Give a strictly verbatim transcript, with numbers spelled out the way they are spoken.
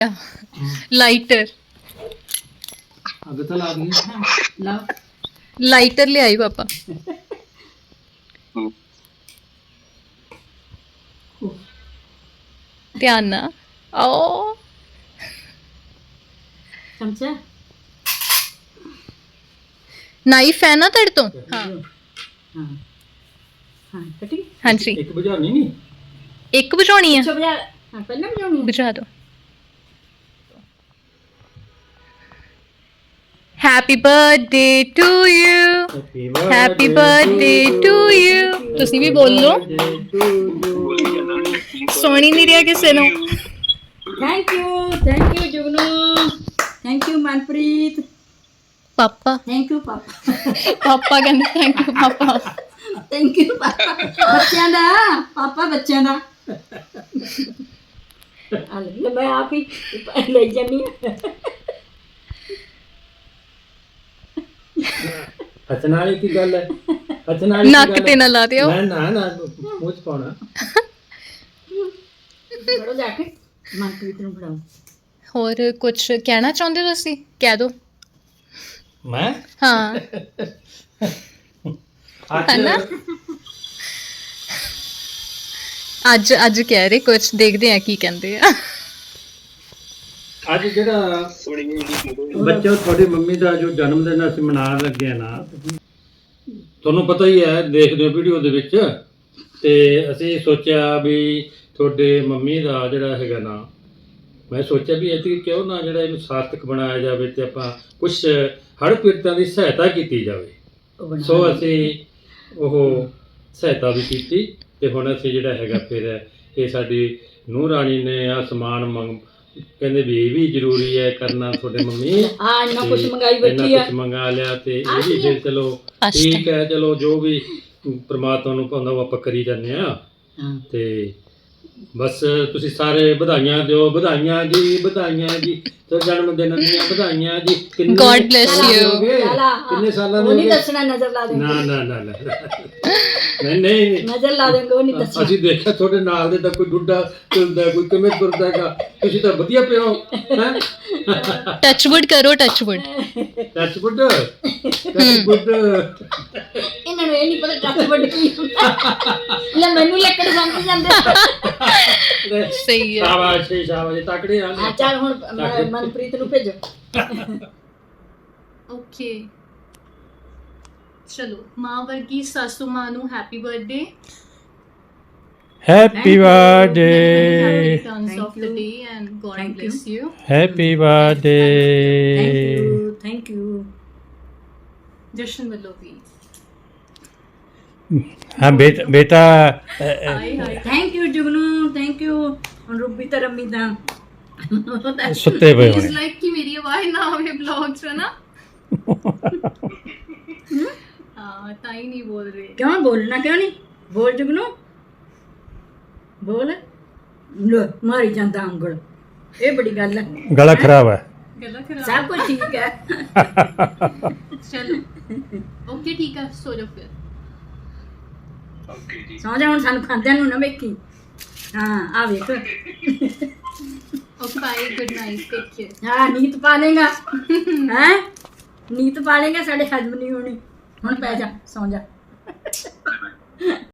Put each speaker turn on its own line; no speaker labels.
Lighter
अग तो ला दी
ला
lighter ले आई पापा। ध्यान ना ओ
चमचा
नाइफ है ना तेरे तो। हाँ
हाँ हाँ कटी
हाँ जी
एक बुझानी नहीं
एक बुझानी है
अच्छा बजा हाँ पहले बजाऊंगी
बुझा दो। Happy birthday to you happy birthday to you तुसी भी बोल लो सोनी नहीं रहा किसी नु।
Thank you thank you Jugnu thank you Manpreet
पापा
थैंक यू पापा
पापा कहते थैंक यू पापा
थैंक यू पापा बच्चों दा पापा बच्चों दा ले मैं आप ही ले जानी
हसना वाली की गल है हसना वाली
नक ते ना ला दियो
ना ना ना मुंह च पाना
बड़ो जाके मनप्रीत नु फड़ाओ
और कुछ कहना चाहते हो तुसी कह दो।
मैं
हाँ है ना अज अज कह रहे कुछ देखते हैं की कहते हैं।
ਅੱਜ ਜਿਹੜਾ ਬੱਚਾ ਤੁਹਾਡੀ ਮੰਮੀ ਦਾ ਜੋ ਜਨਮ ਦਿਨ ਅਸੀਂ ਮਨਾਉਣ ਲੱਗੇ ਆ ਨਾ ਤੁਹਾਨੂੰ ਪਤਾ ਹੀ ਹੈ ਦੇਖਦੇ ਹੋ ਵੀਡੀਓ ਦੇ ਵਿੱਚ ਤੇ ਅਸੀਂ ਸੋਚਿਆ ਵੀ ਤੁਹਾਡੇ ਮੰਮੀ ਦਾ ਜਿਹੜਾ ਹੈਗਾ ਨਾ ਮੈਂ ਸੋਚਿਆ ਵੀ ਇਹ ਕਿਉਂ ਨਾ ਜਿਹੜਾ ਇਹਨੂੰ ਸਾਰਥਕ ਬਣਾਇਆ ਜਾਵੇ ਤੇ ਆਪਾਂ ਕੁਝ ਹੜ੍ਹ ਪੀੜਤਾਂ ਦੀ ਸਹਾਇਤਾ ਕੀਤੀ ਜਾਵੇ ਸੋ ਅਸੀਂ ਉਹ ਸਹਾਇਤਾ ਵੀ ਕੀਤੀ ਤੇ ਹੁਣ ਅਸੀਂ ਜਿਹੜਾ ਹੈਗਾ ਫਿਰ ਇਹ ਸਾਡੀ ਨੂੰਹ ਰਾਣੀ ਨੇ ਆ ਸਮਾਨ ਮੰਗ ਕਹਿੰਦੇ ਵੀ ਇਹ ਵੀ ਜ਼ਰੂਰੀ ਹੈ ਕਰਨਾ ਤੁਹਾਡੇ ਮੰਮੀ
हाँ इन्ना कुछ मंगाई बैठी है
ਕੁਝ ਮੰਗਾ ਲਿਆ ਤੇ ਇਹ ਵੀ ਫਿਰ ਚਲੋ ਠੀਕ ਹੈ ਚਲੋ ਜੋ ਵੀ ਪ੍ਰਮਾਤਮਾ ਨੂੰ ਭਾਉਂਦਾ ਉਹ ਆਪਾਂ ਕਰੀ ਜਾਂਦੇ ਆ
हाँ
ਤੇ ਬਸ ਤੁਸੀਂ ਸਾਰੇ ਵਧਾਈਆਂ ਦਿਓ ਵਧਾਈਆਂ ਜੀ ਵਧਾਈਆਂ ਜੀ ਤੇ ਜਨਮ ਦਿਨ ਦੀਆਂ ਵਧਾਈਆਂ ਜੀ ਕਿੰਨੇ
God bless
ਸਾਲਾਂ ਦੇ
you.
ਹੋ ਗਏ?
लाला
ਕਿੰਨੇ ਸਾਲਾਂ ਦੇ
वो
ਹੋ
नहीं
ਗਏ?
दसना नजर ला देंगे
ਨਾ ਨਾ ਨਾ ਨਾ ਨਹੀਂ ਨਹੀਂ
नजर ला देंगे वो नहीं दसना
ਅਸੀਂ ਦੇਖਿਆ ਤੁਹਾਡੇ ਨਾਲ ਦੇ ਤਾਂ ਕੋਈ ਬੁੱਢਾ ਤੁਰਦਾ ਕੋਈ ਕਿਵੇਂ ਤੁਰਦਾ ਹੈਗਾ ਤੁਸੀਂ ਤਾਂ ਵਧੀਆ ਪਿਓ ਹੈ
टचवुड करो touch wood
touch wood touch wood
ਇਹਨਾਂ ਨੂੰ ਇਹ ਨਹੀਂ ਪਤਾ ਟੱਚ ਵੱਡ ਕੀ ਹੁੰਦਾ ਲੈ ਮੈਨੂੰ ਲੱਕੜ ਸਮਝ ਜਾਂਦੇ
सही है।
ਸ਼ਾਬਾਸ਼ ਜੀ, ਸ਼ਾਬਾਸ਼ ਜੀ, ਤਕੜੇ ਆ
ਆ ਚੱਲ ਹੁਣ ਮ- ਮਨਪ੍ਰੀਤ ਨੂੰ ਭੇਜੋ
ओके चलो माँ वर्गी सासू माँ नु happy birthday
happy birthday
returns of the day and God
Thank
bless you.
Happy
thank
birthday
you thank you
Jashan ਵੱਲੋਂ ਵੀ
ਹਾਂ ਬੇਟਾ ਬੇਟਾ
hi hi
thank you Jugnu thank you ਹੁਣ ਰੂਬੀ ਤਾਂ ਰੰਮੀ ਤਾਂ
ਸੁੱਤੇ ਪਏ
इज
ਹੋਣੇ
लाइक कि मेरी आवाज ना आवे ब्लॉग्स में ना हां ताई नहीं बोल रहे
ਕਿਉਂ ਬੋਲਣਾ ਕਿਉਂ ਨਹੀਂ ਬੋਲ ਜੁਗਨੂ ਬੋਲ ਲੈ ਮਾਰੀ ਜਾਂਦਾ ਉਂਗਲ ਇਹ ਬੜੀ ਗੱਲ ਹੈ
ਗਲਾ ਖਰਾਬ ਹੈ
गला खराब
ਸਭ ਕੁਝ ਠੀਕ ਹੈ
चलो ओके ठीक है सो जाओ फिर
ਸੌਂ ਜਾ ਹੁਣ ਸਾਨੂੰ ਖਾਂਦਿਆਂ ਨੂੰ ਨਾ ਵੇਖੀ ਹਾਂ ਆ ਵੇਖ
okay bye good night take care
ਹਾਂ ਨੀਤ ਪਾ ਲੇਗਾ ਹੈ ਨੀਤ ਪਾ ਲੇਗਾ ਸਾਡੇ ਹਜਮ ਨਹੀਂ ਹੋਣੀ ਹੁਣ ਪੈ ਜਾ ਸੌਂ ਜਾ